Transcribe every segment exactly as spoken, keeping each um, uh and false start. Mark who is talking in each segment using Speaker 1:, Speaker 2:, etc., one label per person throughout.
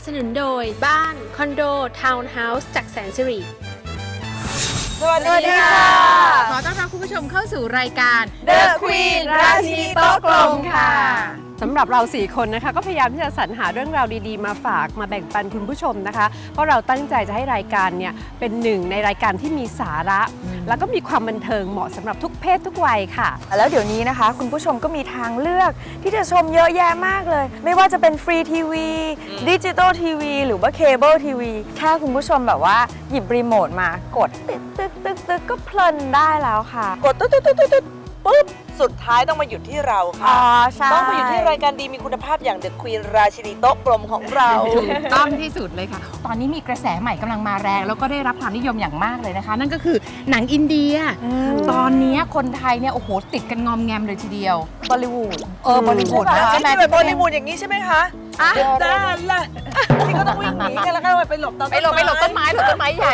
Speaker 1: สนุนโดยบ้านคอนโดทาวน์เฮาส์จากแสนสิริ
Speaker 2: สวัสดีค่ะ
Speaker 3: ขอต้อนรับคุณผู้ชมเข้าสู่รายการ
Speaker 2: The Queen ราชินีโต๊ะกลมค่ะ
Speaker 4: สำหรับเราสี่คนนะคะก็พยายามที่จะสรรหาเรื่องราวดีๆมาฝากมาแบ่งปันคุณผู้ชมนะคะเพราะเราตั้งใจจะให้รายการเนี่ยเป็นหนึ่งในรายการที่มีสาระแล้วก็มีความบันเทิงเหมาะสำหรับทุกเพศทุกวัยค่ะ
Speaker 2: แล้วเดี๋ยวนี้นะคะคุณผู้ชมก็มีทางเลือกที่จะชมเยอะแยะมากเลยไม่ว่าจะเป็นฟรีทีวีดิจิตอลทีวีหรือว่าเคเบิลทีวีแค่คุณผู้ชมแบบว่าหยิบรีโมทมากดตึ๊กตึ๊กตึ๊กตึ๊กก็เพลินได้แล้วค่ะกดตึ๊กตึ๊กตึ๊กตึ๊กปุ๊บสุดท้ายต้องมาหยุดที่เราค่ะอ๋อใช่ต้องมาอยู่ที่รายการดีมีคุณภาพอย่าง The Queen ราชินีโต๊ะกลมของเรา
Speaker 3: ถูกต้องที่สุดเลยค่ะตอนนี้มีกระแสใหม่กำลังมาแรงแล้วก็ได้รับความนิยมอย่างมากเลยนะคะนั่นก็คือหนังอินเดียตอนนี้คนไทยเนี่ยโอ้โหติดกันงอมแงมเลยทีเดียว
Speaker 2: บอลลีวูด
Speaker 3: เออบอลลีวูด
Speaker 2: ใช่ไหมแบบบอลลีวูดอย่างนี้ใช่ไหมคะอ่ะได้ละที่ก็ต้องวิ่งหนีกันแล้วก็ไปหลบต้นไม้
Speaker 3: ไปหลบไปหลบต้นไม้หลบต้นไม้ใหญ่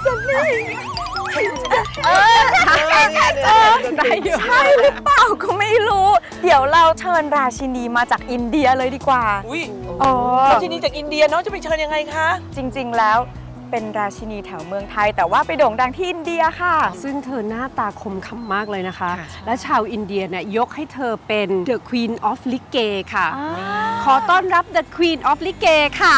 Speaker 2: เออได้อยู่ใช่หรือเปล่าก็ไม่รู้เดี๋ยวเราเชิญราชินีมาจากอินเดียเลยดีกว่าอุ้ยราชินีจากอินเดียน้องจะไปเชิญยังไงคะจริงๆแล้วเป็นราชินีแถวเมืองไทยแต่ว่าไปโด่งดังที่อินเดียค่ะ
Speaker 4: ซึ่งเธอหน้าตาคมคำมากเลยนะคะและชาวอินเดียเนี่ยยกให้เธอเป็น The Queen of Likke ค่ะขอต้อนรับ The Queen of Likke ค่ะ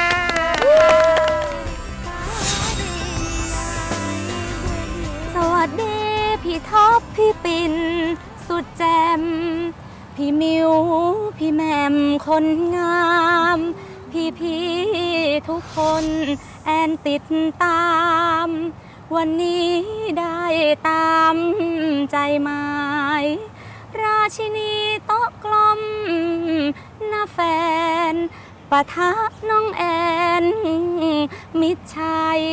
Speaker 5: สวัสดีพี่ท็อปพี่ปิ่นสุดแจมพี่มิวพี่แมมคนงามพี่พี่ทุกคนแอนติดตามวันนี้ได้ตามใจหมายราชินีโต๊ะกลมน้าแฟนปะทะน้องแอนมิตรชัย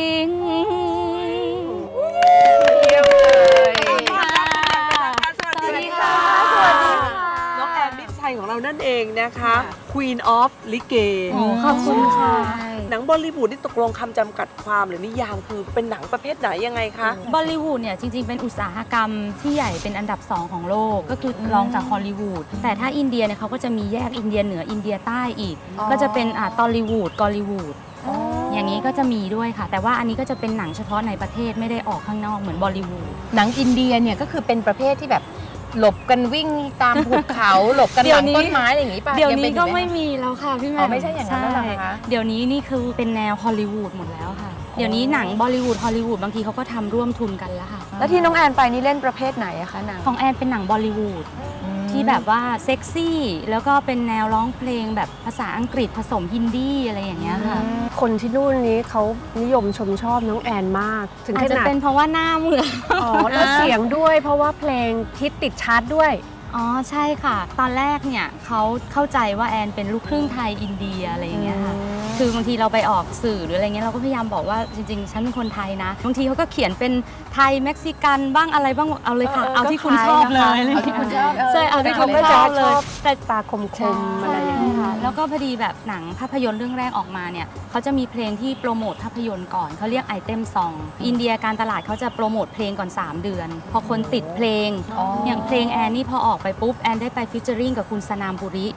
Speaker 2: สวัสดีค่ะสวัสดีค่ะน้องแอนมิตรชัยของเรานั่นเองนะคะ Queen of Likke
Speaker 5: ขอบคุณค่ะ
Speaker 2: หนังบอลลีวูดนี่ตกลงคำจำกัดความหรือนิยามคือเป็นหนังประเภทไหนยังไงคะ
Speaker 5: บอลลีวูดเนี่ยจริงๆเป็นอุตสาหกรรมที่ใหญ่เป็นอันดับสองของโลกก็คือรองจากฮอลลีวูดแต่ถ้าอินเดียเนี่ยเขาก็จะมีแยกอินเดียเหนืออินเดียใต้อีกก็จะเป็นอ่าตอลลีวูดกอลลีวูดอย่างนี้ก็จะมีด้วยค่ะแต่ว่าอันนี้ก็จะเป็นหนังเฉพาะในประเทศไม่ได้ออกข้างนอกเหมือนบอลลีวูด
Speaker 3: หนังอินเดียเนี่ยก็คือเป็นประเภทที่แบบหลบกันวิ่งตามภูเขาหลบกันหลังต้นไม้อะไรอย่างนี้ป่ะ
Speaker 5: เดี๋ยวนี้ก็ไม่มีแล้วค่ะพี่แม่
Speaker 3: ไม่ใช่อย่างนั้นแล้วเหรอคะ
Speaker 5: เดี๋ยวนี้นี่คือเป็นแนวฮอลลีวูดหมดแล้วค่ะเดี๋ยวนี้หนังบอลลีวูดฮอลลีวูดบางทีเขาก็ทำร่วมทุนกันแล้วค่ะ
Speaker 2: แล้วที่น้องแอนไปนี่เล่นประเภทไหนอะคะหนัง
Speaker 5: ของแอนเป็นหนังบอลลีวูดที่แบบว่าเซ็กซี่แล้วก็เป็นแนวร้องเพลงแบบภาษาอังกฤษผสมฮินดีอะไรอย่างเงี้ยค่ะ
Speaker 4: คนที่นู่นนี้เขานิยมชมชอบน้องแอนมาก
Speaker 5: ถึงขนาดอาจจะเป็นเพราะว่าหน้าเหมือน
Speaker 4: อ๋อแล้วเสียงด้วยเพราะว่าเพลงฮิตติดชาร์ตด้วย
Speaker 5: อ๋อใช่ค่ะตอนแรกเนี่ยเขาเข้าใจว่าแอนเป็นลูกครึ่งไทยอินเดียอะไรอย่างเงี้ยค่ะคือบางทีเราไปออกสื่อหรืออะไรเงี้ยเราก็พยายามบอกว่าจริงๆฉันเป็นคนไทยนะบางทีเขาก็เขียนเป็นไทยเม็กซิกันบ้างอะไรบ้างเอาเลยค่ะเอาที่คุณชอบเลย
Speaker 3: เอาที่คุณชอบ
Speaker 5: ใช่เอาที่คุณชอบเลย
Speaker 4: แต่ตาคมๆอะไรอย่างเงี้ย
Speaker 5: ค่ะแล้วก็พอดีแบบหนังภาพยนตร์เรื่องแรกออกมาเนี่ยเขาจะมีเพลงที่โปรโมทภาพยนตร์ก่อนเขาเรียกไอเทมซองอินเดียการตลาดเขาจะโปรโมทเพลงก่อนสามเดือนพอคนติดเพลงอย่างเพลงแอนนี่พอออกไปปุ๊บแอนได้ไปฟีเจอริ่งกับคุณสนามบุริ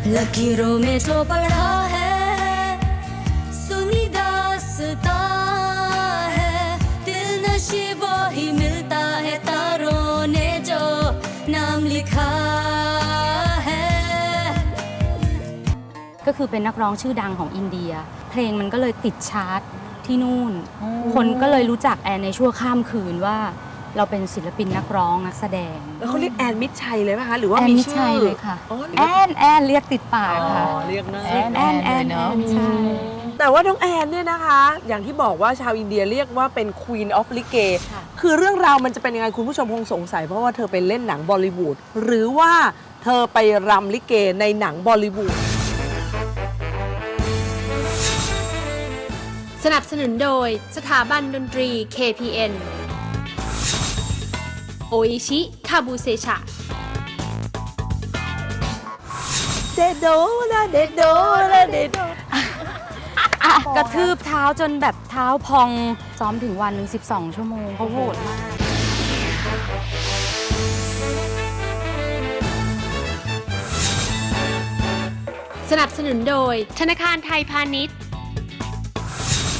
Speaker 5: ก็คือเป็นนักร้องชื่อดังของอินเดียเพลงมันก็เลยติดชาร์ตที่นู่นคนก็เลยรู้จักแอนในชั่วข้ามคืนว่าเราเป็นศิลปินนักร้องนักแสดง
Speaker 2: แล้วเขาเรียกแอนมิตรชัยเลยไหมคะหรือว่า
Speaker 5: มีชื่อแอนมิตรชัยเลยค่ะแอนแอนเรียกติดปากค่ะ
Speaker 2: เรียกนะ
Speaker 5: แอนแอนแอนเนาะ
Speaker 2: แต่ว่าน้องแอนเนี่ยนะคะอย่างที่บอกว่าชาวอินเดียเรียกว่าเป็น Queen of Likke คือเรื่องราวมันจะเป็นยังไงคุณผู้ชมคงสงสัยเพราะว่าเธอไปเล่นหนังบอลลีวูดหรือว่าเธอไปรำลิเกในหนังบอลลีวูด
Speaker 1: สนับสนุนโดยสถาบันดนตรี เค พี เอ็น โออิชิคาบูเซชะ
Speaker 2: เดโดนะเดโดนะเดโด
Speaker 5: กระทืบเท้าจนแบบเท้าพองซ้อมถึงวันหนึ่งสิบสองชั่วโมงเขาโหดมาก
Speaker 1: สนับสนุนโดยธนาคารไทยพาณิชย์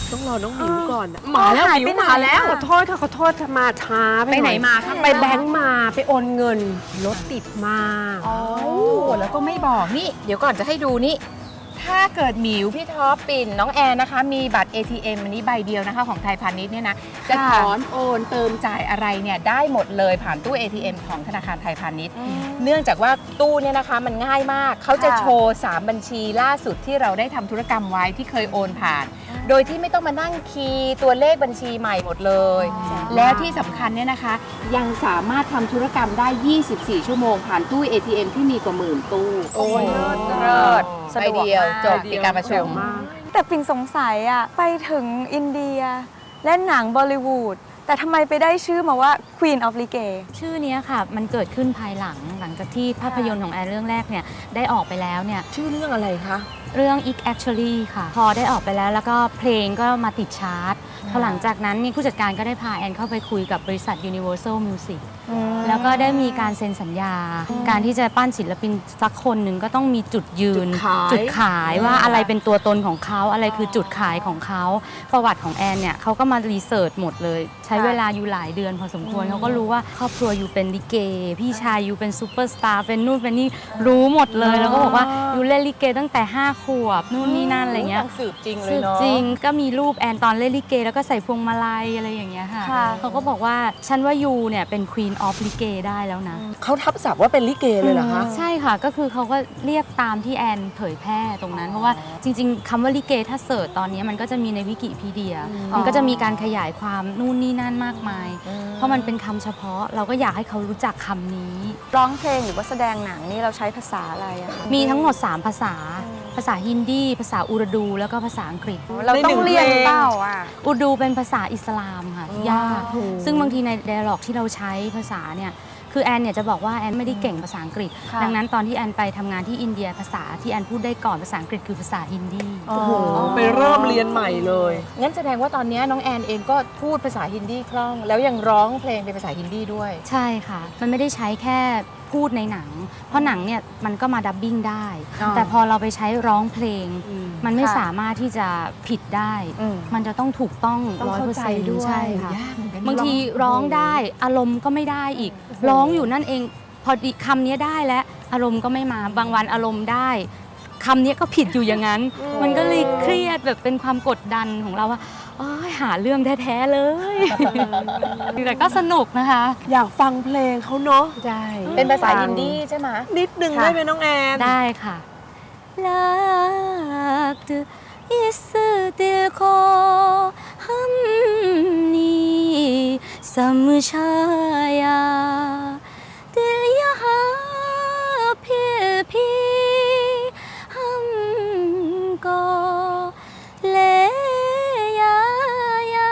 Speaker 4: ต้องรอน้องหมิวก่อนอะ
Speaker 2: มาแล้วหายไปไหน
Speaker 4: มาแล้วขอโทษค่ะขอโทษมาช้าไป
Speaker 3: ไปไหน
Speaker 4: อย
Speaker 3: มาคะ
Speaker 4: ไปแบงก์มาไปโอนเงินรถติดมาก
Speaker 3: โอ้แล้วก็ไม่บอกนี่ เดี๋ยวก่อนจะให้ดูนี่ ถ้าเกิดหมิวพี่ท็อปปิ่นน้องแอนนะคะ มีบัตร เอ ที เอ็ม อันนี้ใบเดียวนะคะของไทยพาณิชย์เนี่ยนะ จะถอนโอนเติมจ่ายอะไรเนี่ยได้หมดเลยผ่านตู้ เอ ที เอ็ม ของธนาคารไทยพาณิชย์ เนื่องจากว่าตู้เนี่ยนะคะมันง่ายมาก เขาจะโชว์ สาม บัญชีล่าสุดที่เราได้ทำธุรกรรมไว้ที่เคยโอนผ่าน โดยที่ไม่ต้องมานั่งคีย์ตัวเลขบัญชีใหม่หมดเลย แล้วที่สำคัญเนี่ยนะคะ ยังสามารถทำธุรกรรมได้ ยี่สิบสี่ ชั่วโมงผ่านตู้ เอ ที เอ็ม ที่มีกว่าหมื่นตู้
Speaker 2: โอ้ย
Speaker 3: เลิศ
Speaker 2: สะ
Speaker 3: ใบ
Speaker 2: ดวก
Speaker 3: เดียว
Speaker 2: มาก
Speaker 3: จบปิดการประชุม
Speaker 2: แต่ปิ่นสงสัยอะไปถึงอินเดียเล่นหนังบอลลิวูดแต่ทำไมไปได้ชื่อมาว่า Queen of Ligue
Speaker 5: ชื่อเนี้ยค่ะ มันเกิดขึ้นภายหลังหลังจากที่ภาพยนตร์ของแอนเรื่องแรกเนี่ยได้ออกไปแล้วเนี่ย
Speaker 4: ชื่อเรื่องอะไรคะ
Speaker 5: เรื่อง It Actually ค่ะ พอได้ออกไปแล้วแล้วก็เพลงก็มาติดชาร์ตพอหลังจากนั้นนี่ผู้จัดการก็ได้พาแอนเข้าไปคุยกับบริษัท Universal Music แล้วก็ได้มีการเซ็นสัญญา การที่จะปั้นศิลปินสักคนหนึ่งก็ต้องมีจุดยืน
Speaker 4: จุดขาย
Speaker 5: จุดขายว่าอะไรเป็นตัวตนของเขาอะไรคือจุดขายของเขาประวัติของแอนเนี่ยเขาก็มารีเสิร์ชหมดเลย ใช้เวลาอยู่หลายเดือนพอสมควรเขาก็รู้ว่าครอบครัวอยู่เป็นลิเก พี่ชายอยู่เป็นซูเปอร์สตาร์เป็นนู่นเป็นนี่รู้หมดเลย แล้วก็บอกว่าอยู่เล่นลิเกตั้งแต่ห้าขวบนู่นนี่นั่นอะไรเงี้ย
Speaker 3: สืบจริงเลย
Speaker 5: สืบ
Speaker 3: เนาะ
Speaker 5: จริงก็มีรูปแอนตอนเล่นลิเก แล้วก็ใส่พวงมาลัยอะไรอย่างเงี้ยค่ะ
Speaker 2: ค่ะ
Speaker 5: เขาก็บอกว่าฉันว่ายูเนี่ยเป็น Queen of ลิเกได้แล้วนะ
Speaker 4: เขาทับศัพท์ว่าเป็นลิเกเลยเหรอคะ
Speaker 5: ใช่ค่ะก็คือเขาก็เรียกตามที่แอนเผยแพร่ตรงนั้น เพราะว่าจริงๆคำว่าลิเกถ้าเสิร์ชตอนนี้มันก็จะมีในวิกิพีเดีย มันก็จะมีการขยายความนู่นนี่นั่นมากมาย เพราะมันเป็นคำเฉพาะเราก็อยากให้เขารู้จักคำนี้
Speaker 2: ร้องเพลงหรือว่าแสดงหนังนี่เราใช้ภาษาอะไรอะคะ
Speaker 5: มีทั้งหมด สาม ภาษา ภาษาฮินดี ภาษาอูรดู แล้วก็ภาษาอังกฤษ
Speaker 2: เราต้องเรียนเปล่าอะ
Speaker 5: อูรดูเป็นภาษาอิสลามค่ะที่ยากซึ่งบางทีใน dialog ที่เราใช้ภาษาเนี่ยคือแอนเนี่ยจะบอกว่าแอนไม่ได้เก่งภาษาอังกฤษ
Speaker 2: ค่ะ
Speaker 5: ดังนั้นตอนที่แอนไปทำงานที่อินเดียภาษาที่แอนพูดได้ก่อนภาษาอังกฤษคือภาษาฮินดี
Speaker 2: โอ้โห
Speaker 4: ไปเริ่มเรียนใหม่เลย
Speaker 3: งั้นแสดงว่าตอนนี้น้องแอนเองก็พูดภาษาฮินดีคล่อง แล้วยังร้องเพลงเป็นภาษาฮินดีด้วย
Speaker 5: ใช่ค่ะ มันไม่ได้ใช้แค่พูดในหนัง เพราะหนังเนี่ยมันก็มาดับบิ้งได้
Speaker 3: อ๋อ
Speaker 5: แต่พอเราไปใช้ร้องเพลง มันไม่
Speaker 2: ค่ะ
Speaker 5: สามารถที่จะผิดได้
Speaker 2: อืม
Speaker 5: มันจะต้องถูกต้อง
Speaker 4: ต้อง
Speaker 5: ร้อย
Speaker 4: เข้า
Speaker 5: เปอร์
Speaker 4: ใจ
Speaker 5: เซ็นต์
Speaker 4: ด้วย
Speaker 5: ใช่ค่ะ
Speaker 3: ยากเหมือนกัน
Speaker 5: บางทีร้องได้อารมณ์ก็ไม่ได้อีก ร้องอยู่นั่นเอง พอดีคำนี้ได้แล้วอารมณ์ก็ไม่มาบางวันอารมณ์ได้คำนี้ก็ผิดอยู่อย่างนั้น มันก็เลยเครียดแบบเป็นความกดดันของเราว่าโอ๊ยหาเรื่องแท้ๆเลย แต่ก็สนุกนะคะ
Speaker 4: อยากฟังเพลงเขาเนาะ
Speaker 3: ใช่เป็นภาษาฮินดีใช่ไหม
Speaker 4: นิดนึงได้ไหมน้องแอน
Speaker 5: ได้ค่ะ लगत इस दिल को हमने समझाया दिल यहाँ फिर भी हमको ले आया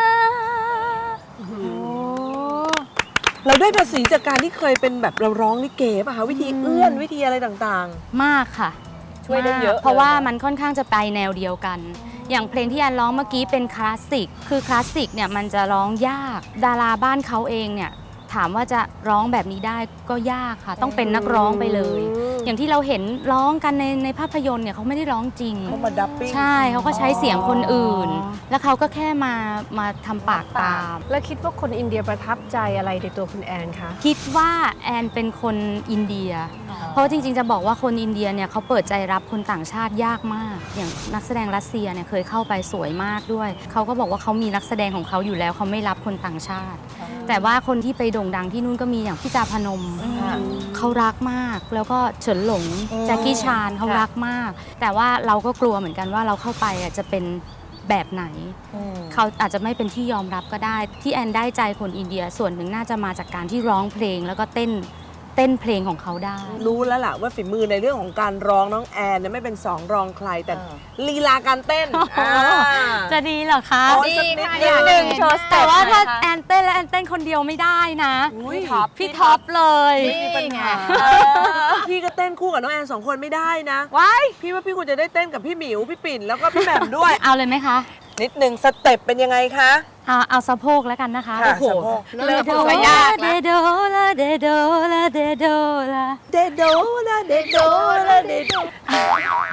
Speaker 4: เราได้ภาษีจากการที่เคยเป็นแบบเราร้องลิเกป่ะคะวิธีเอื้อนวิธีอะไรต่าง
Speaker 5: มากค่ะ
Speaker 3: ช่วยได้เยอะ
Speaker 5: มากเพราะว่า
Speaker 3: เลยนะ
Speaker 5: มันค่อนข้างจะไปแนวเดียวกัน อย่างเพลงที่แอนร้องเมื่อกี้เป็นคลาสสิก คือคลาสสิกเนี่ยมันจะร้องยาก ดาราบ้านเขาเองเนี่ยถามว่าจะร้องแบบนี้ได้ก็ยากค่ะ ต้องเป็นนักร้องไปเลย อย่างที่เราเห็นร้องกันในในภาพยนตร์เนี่ยเขาไม่ได้ร้องจริง
Speaker 4: ๆเขามาดับปิ้ง
Speaker 5: ใช่เขาก็ใช้เสียงคนอื่น แล้วเขาก็แค่มามาทำปากตาม
Speaker 4: แล้วคิดว่าคนอินเดียประทับใจอะไรในตัวคุณแอนคะ
Speaker 5: คิดว่าแอนเป็นคนอินเดีย เพราะจริงๆจะบอกว่าคนอินเดียเนี่ยเขาเปิดใจรับคนต่างชาติยากมาก อย่างนักแสดงรัสเซียเนี่ยเคยเข้าไปสวยมากด้วย เขาก็บอกว่าเขามีนักแสดงของเขาอยู่แล้วเขาไม่รับคนต่างชาติ แต่ว่าคนที่ไปโด่งดังที่นู่นก็มีอย่างพี่จาพนม เขารักมาก แล้วก็เฉินหลงแจ็คกี้ชานเขารักมาก แต่ว่าเราก็กลัวเหมือนกันว่าเราเข้าไปอ่ะจะเป็นแบบไหน เขาอาจจะไม่เป็นที่ยอมรับก็ได้ ที่แอนได้ใจคนอินเดียส่วนหนึ่งน่าจะมาจากการที่ร้องเพลงแล้วก็เต้นเต้นเพลงของเขาได้
Speaker 4: รู้แล้วล่ะว่าฝีมือในเรื่องของการร้องน้องแอนเนี่ยไม่เป็นสองรองใครแต่ลีลาการเต้นอ่า
Speaker 5: จะดีเหรอคะ
Speaker 4: อ๋อ
Speaker 3: ดีค่ะ
Speaker 2: นิดนึงโชว์สเต็
Speaker 5: แต่
Speaker 2: ป
Speaker 5: ว่าถ้า
Speaker 2: หน่อยค่ะ
Speaker 5: แอนเต้นแล้วแอนเต้นคนเดียวไม่ได้นะ
Speaker 4: อุ๊ย
Speaker 2: พี่ท็อป
Speaker 5: พี่ท็อปเลย
Speaker 3: นี่ไง
Speaker 4: พี่ก็เต้นคู่กับน้องแอนสองคนไม่ได้นะ
Speaker 2: ว้าย
Speaker 4: พี่ว่าพี่ควรจะได้เต้นกับพี่หมิวพี่ปิ่นแล้วก็พี่แหม่มด้วย
Speaker 5: เอาเลยไหมคะ
Speaker 4: นิดนึงสเต็ปเป็นยังไงคะ
Speaker 5: เอาเอาสะโพกแล้วกันนะคะ
Speaker 4: ค่ะ
Speaker 5: โอ้โห
Speaker 4: สะโพก
Speaker 3: เริ่มพูดก็ยาก
Speaker 5: เด
Speaker 3: แล้ว
Speaker 5: โดลาเดโดลาเดโดลา
Speaker 4: เดโดละเดโดละเดโด
Speaker 5: อ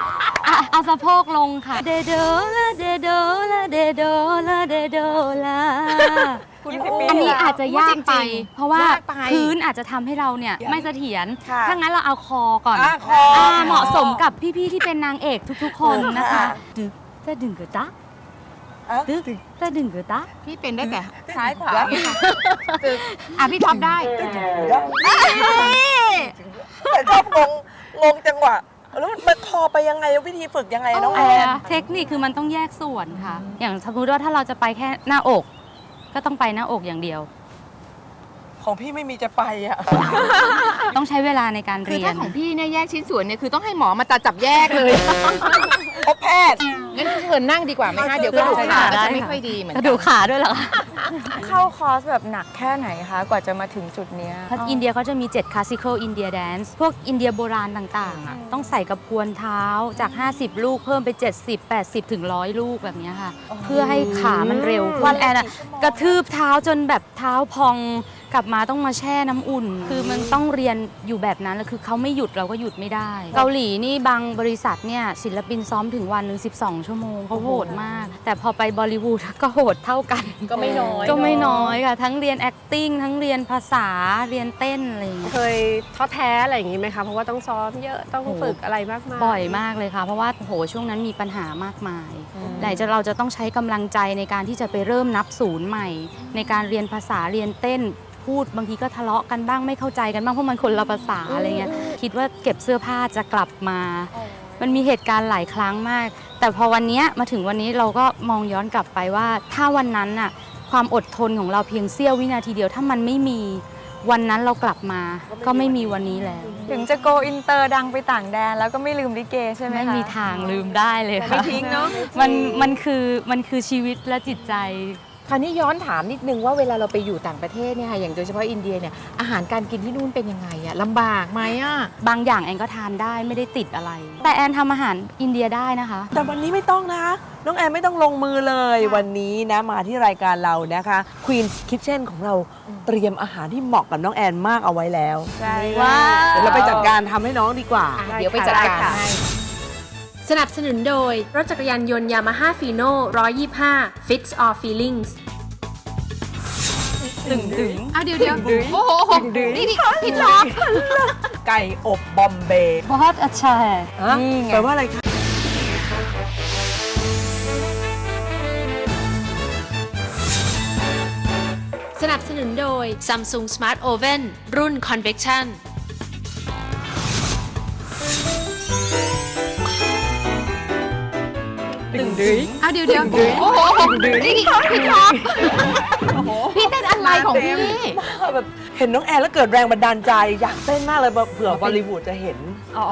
Speaker 5: อ่ะเอาสะโพกลงค่ะเดโดละเดโดละเดโดละเดโดละ
Speaker 2: ยี่สิบปี
Speaker 5: อันนี้อาจจะยากไป
Speaker 3: จริงๆ
Speaker 5: เพราะว่าย
Speaker 3: ากไป
Speaker 5: พื้นอาจจะทำให้เราเนี่ยไม่เสถียร
Speaker 2: ค่ะ
Speaker 5: ถ้างั้นเราเอาคอก่อน
Speaker 2: อ่ะคออ่
Speaker 5: าเหมาะสมกับพี่ๆที่เป็นนางเอกทุกๆ คนนะคะ
Speaker 2: ค่ะ
Speaker 5: ดึกจะดึงกระตะ
Speaker 2: อ่ะ
Speaker 5: ดึกจะดึงกระตะ
Speaker 3: พี่เป็นได้แต่
Speaker 2: ซ้ายขวา
Speaker 3: อ่ะพี่ท็อปได้
Speaker 6: แต่ชอบงงงงจังหวะแล้วมันคอไปยังไงวิธีฝึกยังไงน้องแอน
Speaker 5: เทคนิคคือมันต้องแยกส่วนค่ะ อย่างสมมติว่าถ้าเราจะไปแค่หน้าอก ก็ต้องไปหน้าอกอย่างเดียว
Speaker 6: ของพี่ไม่มีจะไปอ่ะ
Speaker 5: ต้องใช้เวลาในการ
Speaker 3: คือ
Speaker 5: เรีย
Speaker 3: ถ้าน ของพี่เนี่ยแยกชิ้นส่วนเนี่ยคือต้องให้หมอมาตัดจับแยกเลย
Speaker 6: พบแพทย์
Speaker 3: งั้นเชิญนั่งดีกว่าไหมคะเดี๋ยวกระดูกขาก็จะไม่ค่อยดีเหมือน
Speaker 5: ก
Speaker 3: กั
Speaker 5: ระดูกขาด้วยเหรอคะ
Speaker 2: เข้าคอร์สแบบหนักแค่ไหนคะ กว่าจะมาถึงจุดเนี้ย
Speaker 5: เพราะอินเดียเขาจะมี เจ็ด classical India dance พวกอินเดียโบราณต่างๆอ่ะต้องใส่กระพวนเท้าจาก ห้าสิบ ลูกเพิ่มไป เจ็ดสิบ แปดสิบ ถึง หนึ่งร้อย ลูกแบบเนี้ยค่ะ เพื่อให้ขามันเร็วขึ้นแอนอะกระทืบเท้าจนแบบเท้าพองกลับมาต้องมาแช่น้ำอุ่น คือมันต้องเรียนอยู่แบบนั้นแล้วคือเขาไม่หยุดเราก็หยุดไม่ได้ เกาหลีนี่บางบริษัทเนี่ยศิลปินซ้อมถึงวันหนึ่งสิบสอง ชั่วโมงเขาโหดมาก แต่พอไปบอลิวูดก็โหดเท่ากัน
Speaker 3: ก็ไม่น้อย
Speaker 5: ก็ไม่น้อยค่ะ ทั้งเรียน acting ทั้งเรียนภาษาเรียนเต้นอะไรอย่างเงี้ย
Speaker 4: เคยท้อแท้อะไรอย่างนี้ไหมคะ เพราะว่าต้องซ้อมเยอะต้องฝึกอะไรมากมาย
Speaker 5: บ่อยมากเลยค่ะ เพราะว่าโหช่วงนั้นมีปัญหามากมายไหนจะเราจะต้องใช้กำลังใจในการที่จะไปเริ่มนับศูนย์ใหม่ ในการเรียนภาษาเรียนเต้น พูดบางทีก็ทะเลาะกันบ้างไม่เข้าใจกันบ้างเพราะมันคนละภาษาอะไรเงี้ยคิดว่าเก็บเสื้อผ้าจะกลับมา มันมีเหตุการณ์หลายครั้งมาก แต่พอวันนี้มาถึงวันนี้เราก็มองย้อนกลับไปว่า ถ้าวันนั้นน่ะความอดทนของเราเพียงเสี้ยววินาทีเดียว ถ้ามันไม่มีวันนั้นเรากลับมา ก็ไม่มีวันนี้แล้ว
Speaker 2: ถึงจะโกอินเตอร์ดังไปต่างแดนแล้วก็ไม่ลืมลิเกใช่ไหมคะ
Speaker 5: ไม่มีทางลืมได้เลยค่ะ
Speaker 2: ไม่ทิ้งเนอะ
Speaker 5: มันมันคือมันคือชีวิตและจิตใจ
Speaker 3: คราวนี้ย้อนถามนิดนึงว่าเวลาเราไปอยู่ต่างประเทศเนี่ยค่ะอย่างโดยเฉพาะอินเดียเนี่ยอาหารการกินที่นู่นเป็นยังไงอะลำบากไหมอะ
Speaker 5: บางอย่างแอนก็ทานได้ไม่ได้ติดอะไร แต่แอนทำอาหารอินเดียได้นะคะ
Speaker 6: แต่วันนี้ไม่ต้องนะคะน้องแอนไม่ต้องลงมือเลยวันนี้นะมาที่รายการเรานะคะ Queen's Kitchen ของเราเตรียมอาหารที่เหมาะกับน้องแอนมากเอาไว้แล้ว
Speaker 2: ใช่
Speaker 5: ว้าว
Speaker 6: เดี๋ยวเราไปจัดการทำให้น้องดีกว่า
Speaker 3: อ่ะเดี๋ยวไปจัดการให้
Speaker 1: สนับสนุนโดย รถจักรยานยนต์ Yamaha Fino หนึ่งร้อยยี่สิบห้า Fits All Feelings
Speaker 2: ตึงตึง
Speaker 3: อ่ะเดี๋ยวเดี๋ยวโอ้โหโอ้โหนี่นี่พี่ท็อป
Speaker 6: ไก่อบบอมเบย์
Speaker 5: बहुत अच्छा है
Speaker 2: นี่ไง
Speaker 6: แปลว่าอะไรคะ
Speaker 1: สนับสนุนโดย Samsung Smart Oven รุ่น Convection
Speaker 2: ตึงดึง
Speaker 3: อ่ะเดี๋ยวเดี๋ยวโอ้โหโอ้โหนี่นี่พี่ท็อปพี่เต้นอะไรของพี่
Speaker 6: แบบเห็นน้องแอนแล้วเกิดแรงบันดาลใจ อยากเต้นมากเลยเผื่อบอลลีวูดจะเห็น
Speaker 2: อ๋อ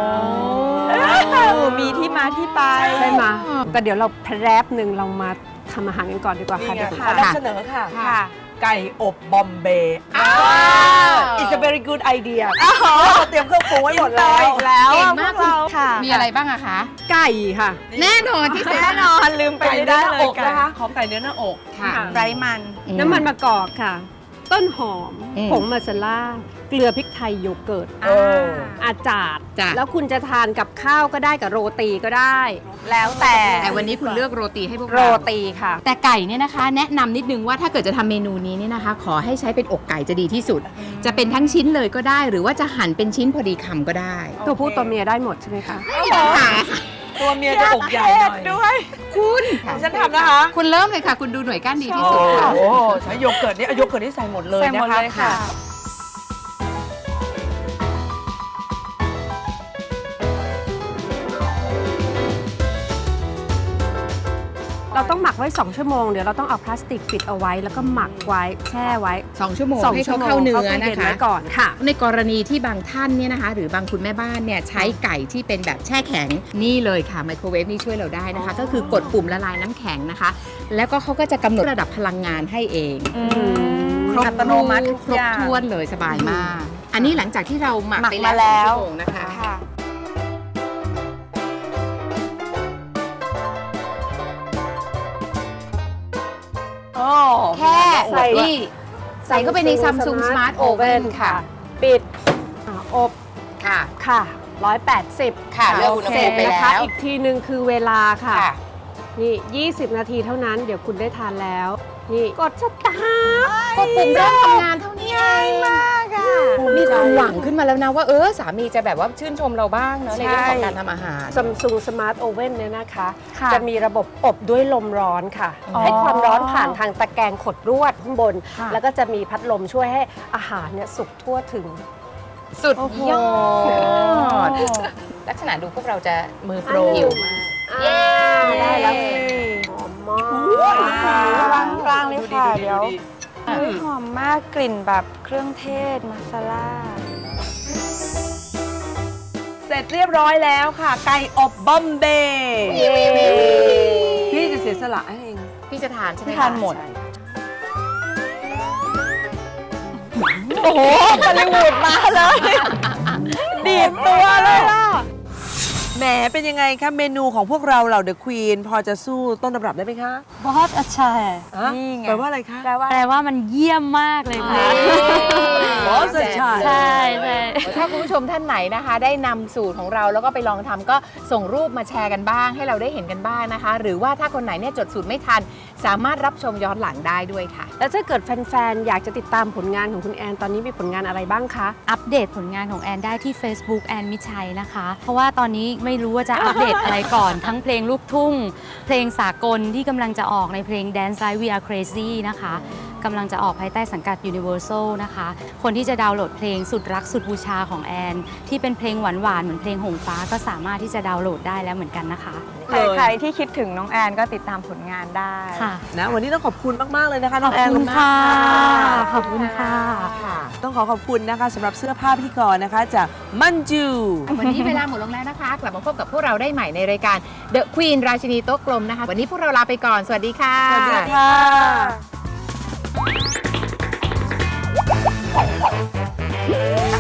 Speaker 2: มีที่มาที่ไป
Speaker 4: ใช่ไหมแต่เดี๋ยวเราแพรบหนึ่งเรามาทำอาหารกันก่อนดีกว่า
Speaker 6: นี่
Speaker 4: ค่ะ
Speaker 6: ไง
Speaker 4: เดี๋ยว
Speaker 6: ขอนำเสนอค่ะ
Speaker 2: ค่ะ
Speaker 6: ไก่อบบอมเบย์
Speaker 3: อ้าว
Speaker 6: It's a very good idea เราเตรียมเครื่องปรุงไว้หมดแล้ว
Speaker 2: แล้ว
Speaker 3: เก่งมาก
Speaker 2: พวเราค่ะ
Speaker 3: มีอะไรบ้างอะคะ
Speaker 4: ไก่ค่ะ
Speaker 3: แน่นอนที่สุด
Speaker 2: แน่นอนลืมไป
Speaker 6: ไก่
Speaker 2: ไม่
Speaker 6: เนื้
Speaker 2: ได้
Speaker 6: อหน้า
Speaker 2: เล
Speaker 6: อย ก
Speaker 2: ค่ะ
Speaker 6: นะคะขอไก่เนื้อหน้าอก
Speaker 3: ค่ะ
Speaker 2: ไร้มัน
Speaker 4: น้ำมันมะกอกค่ะ ต้นหอม
Speaker 3: อืม
Speaker 4: ผงมาซาล่า เกลือพริกไทยโยเกิร์ต
Speaker 6: เออ
Speaker 4: อาจาด
Speaker 3: จ้ะ
Speaker 4: แล้วคุณจะทานกับข้าวก็ได้กับโรตีก็ได้
Speaker 2: แล้วแต่
Speaker 3: แต่วันนี้คุณเลือกโรตีให้พวก
Speaker 4: โร
Speaker 3: เรา
Speaker 4: ตีค่ะ
Speaker 3: แต่ไก่เนี่ยนะคะ แนะนำนิดนึงว่าถ้าเกิดจะทำเมนูนี้เนี่ยนะคะ ขอให้ใช้เป็นอกไก่จะดีที่สุด จะเป็นทั้งชิ้นเลยก็ได้ หรือว่าจะหั่นเป็นชิ้นพอดีคำก็ได้
Speaker 4: ตัวผู้ตัวเมียได้หมดใช่ไหมคะ
Speaker 3: ไม่มีปัญหา
Speaker 6: ตัวเมียจะอกใหญ่หน่อย
Speaker 2: ด้วย
Speaker 3: คุณ
Speaker 6: ฉันทำนะคะ
Speaker 3: คุณเริ่มเลยค่ะ คุณดูหน่วยก้านดีที่
Speaker 6: โอ้
Speaker 3: สุดค่ะ
Speaker 6: โหใช้โยเกิร์ตนี่เอาโยเกิร์ตนี่ใส่หมดเลย
Speaker 2: ใส่หม
Speaker 6: นะ
Speaker 2: ด
Speaker 6: คะ
Speaker 2: เลยค่ะ
Speaker 4: เราต้องหมักไว้ สอง ชั่วโมง เดี๋ยวเราต้องเอาพลาสติกปิดเอาไว้ แล้วก็หมักไว้แช่ไว้
Speaker 3: สองชั่วโมง
Speaker 4: สอง
Speaker 3: ให้
Speaker 4: ชั่
Speaker 3: เขา
Speaker 4: วโมง
Speaker 3: เข้าเนื้อ
Speaker 4: ตู้
Speaker 3: นะ
Speaker 4: ย็
Speaker 3: คะ
Speaker 4: ไว้ก่อนค่ะ
Speaker 3: ในกรณีที่บางท่านเนี่ยนะคะ หรือบางคุณแม่บ้านเนี่ยใช้ไก่ที่เป็นแบบแช่แข็งนี่เลยค่ะไมโครเวฟนี่ช่วยเราได้นะคะ ก็คือกดปุ่มละลายน้ำแข็งนะคะ แล้วก็เขาก็จะกำหนดระดับพลังงานให้เอง ครบ
Speaker 2: อัตโนมัติทุก
Speaker 3: คร
Speaker 2: อบ ย่าง
Speaker 3: ถ้วนเลยสบายมาก อันนี้หลังจากที่เราหมัก
Speaker 2: หมัก
Speaker 3: ไป
Speaker 2: มา
Speaker 3: แล้ว
Speaker 2: แล้ว
Speaker 3: สองชั่วโมงนะคะ
Speaker 2: ค่ะ
Speaker 3: แค่ใส่นี่ใส่เข้าไปใน Samsung Smart Oven ค่ะ
Speaker 4: ปิดอ่าอบ
Speaker 3: ค่ะ
Speaker 4: ค่ะร้อยแปดสิบ
Speaker 3: ค่ะเลือกอุณหภูมิไป
Speaker 4: นะ
Speaker 3: แล้
Speaker 4: คะ
Speaker 3: ว
Speaker 4: อีกทีหนึ่งคือเวลาค่ะ
Speaker 3: ค่ะ
Speaker 4: นี่ ยี่สิบ นาทีเท่านั้นเดี๋ยวคุณได้ทานแล้ว นี่กดสตาร์ท
Speaker 3: ก็ปุ่มเริ่มทำงานเท่านี้เองมากอ่ะมีความหวังขึ้นมาแล้วนะว่าเออสามีจะแบบว่าชื่นชมเราบ้างเนอะในเรื่องของการทำอาหาร
Speaker 4: Samsung Smart Oven เนี่ยนะคะ
Speaker 2: ค่ะ
Speaker 4: จะมีระบบอบด้วยลมร้อนค่ะ
Speaker 2: อ๋อ
Speaker 4: ให้ความร้อนผ่านทางตะแกรงขดลวดข้างบน
Speaker 2: ค่ะ
Speaker 4: แล้วก็จะมีพัดลมช่วยให้อาหารเนี่ยสุกทั่วถึง
Speaker 3: สุดยอด
Speaker 2: โอ้โห
Speaker 3: ลักษณะดูพวกเราจะมือโปร
Speaker 4: อันนี้
Speaker 3: หิวมาก
Speaker 4: เย้ได้แล้ว
Speaker 2: เย้
Speaker 4: หอมมาก
Speaker 2: วางกลางเลยค่ะ
Speaker 6: ดูดิ
Speaker 2: เดี๋ยว
Speaker 6: ดูดิ
Speaker 2: อุ๊ยหอมมากกลิ่นแบบเครื่องเทศมาซาล่า
Speaker 6: เสร็จเรียบร้อยแล้วค่ะ ไก่อบบอมเบย์พี่จะเสียสละให้เอง
Speaker 3: พี่จะทานใช่ไหม
Speaker 2: ทานหมด
Speaker 6: ใช่
Speaker 2: โอ้โหบอลลีวูดมาเลย ดีดตัวเลยล่ะ
Speaker 6: แหมเป็นยังไงคะเมนูของพวกเราเหล่าเดอะควีนพอจะสู้ต้นตำรับได้ไหมคะ
Speaker 5: बहुत अच्छा है
Speaker 6: ฮะ
Speaker 2: นี่ไง
Speaker 6: แปลว่าอะไรคะ
Speaker 2: แปลว่า
Speaker 5: แปลว่ามันเยี่ยมมากเลยค่ะ
Speaker 6: อ๋อสุดใช่
Speaker 5: ใช่ใช่
Speaker 3: ถ้าคุณผู้ชมท่านไหนนะคะ ได้นำสูตรของเราแล้วก็ไปลองทำก็ส่งรูปมาแชร์กันบ้าง ให้เราได้เห็นกันบ้างนะคะ หรือว่าถ้าคนไหนเนี่ยจดสูตรไม่ทัน สามารถรับชมย้อนหลังได้ด้วยค่ะ
Speaker 4: แล้วถ้าเกิดแฟนๆ อยากจะติดตามผลงานของคุณแอน ตอนนี้มีผลงานอะไรบ้างคะ
Speaker 5: อัปเดตผลงานของแอนได้ที่ Facebook แอนมิชัยนะคะ เพราะว่าตอนนี้ไม่รู้ว่าจะอัปเดตอะไรก่อน ทั้งเพลงลูกทุ่ง เพลงสากลที่กำลังจะออกในเพลง Dance Like We Are Crazy นะคะกำลังจะออกภายใต้สังกัด Universal นะคะ คนที่จะดาวน์โหลดเพลงสุดรักสุดบูชาของแอน ที่เป็นเพลงหวานๆ เหมือนเพลงหงฟ้าก็สามารถที่จะดาวน์โหลดได้แล้วเหมือนกันนะคะ
Speaker 2: ใครๆที่คิดถึงน้องแอนก็ติดตามผลงานได้
Speaker 5: ค่ะ
Speaker 6: นะวันนี้ต้องขอบคุณมาก ๆ เลยนะคะ น้
Speaker 5: ข
Speaker 6: อ
Speaker 5: อง บ
Speaker 6: แอน
Speaker 5: คุณค่ะ
Speaker 6: มาก
Speaker 5: ขอบคุณค่ะ
Speaker 6: ต้องขอขอบคุณนะคะสำหรับเสื้อผ้าพิธีกรนะคะจากมันจู
Speaker 3: วันนี้เวลาหมดลงแล้วนะคะ กลับมาพบกับพวกเราได้ใหม่ในรายการ The Queen ราชินีโต๊ะกลมนะคะ วันนี้พวกเราลาไปก่อน สวัสดีค่ะ
Speaker 6: สวัสดีค่ะ
Speaker 2: อ